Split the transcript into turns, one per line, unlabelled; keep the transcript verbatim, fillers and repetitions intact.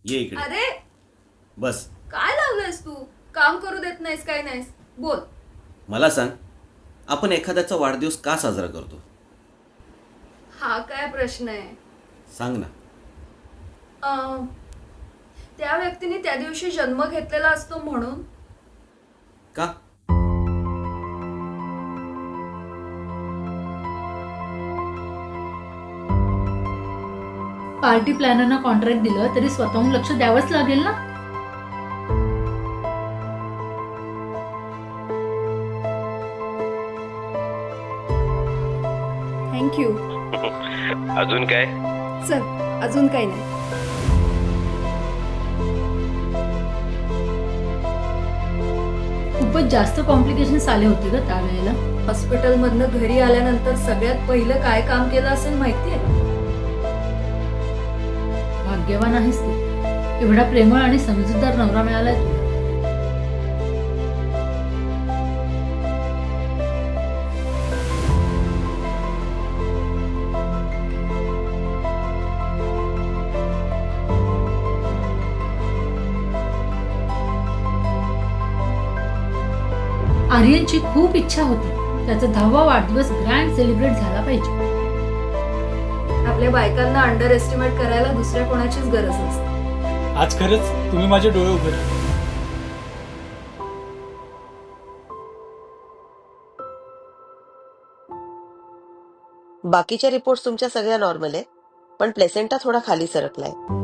ये इकडे.
अरे
बस.
काय लावलंयस तू? काम करू देत नाहीस काय नाहीस? बोल.
मला सांग, आपण एखाद्याचा वाढदिवस का साजरा करतो?
हा काय प्रश्न आहे?
सांग ना.
अं, त्या व्यक्तीने त्या दिवशी जन्म घेतलेला असतो म्हणून.
का?
पार्टी प्लॅनरना कॉन्ट्रॅक्ट दिलं तरी स्वतःहून लक्ष द्यावंच लागेल ना.
थँक्यू.
अजून काय?
चल, अजून काही नाही.
खूपच जास्त कॉम्प्लिकेशन्स आले होते ग त्यावेळेला.
हॉस्पिटलमधनं घरी आल्यानंतर सगळ्यात पहिलं काय काम केलं असेल माहितीये?
भाग्यवान आहेस तू, एवढा प्रेमळ आणि समजूतदार नवरा मिळालाय तुला. आर्यनची खूप इच्छा होती त्याचा दहावा वाढदिवस ग्रँड सेलिब्रेट झाला पाहिजे.
आपल्या बायकांना अंडर एस्टिमेट करायला दुसऱ्या कोणाचीच गरज नसते.
आज खरंच तुम्ही माझे डोळे उघडले.
बाकीच्या रिपोर्ट्स तुमच्या सगळ्या नॉर्मल आहे, पण प्लेसेंटा थोडा खाली सरकलाय.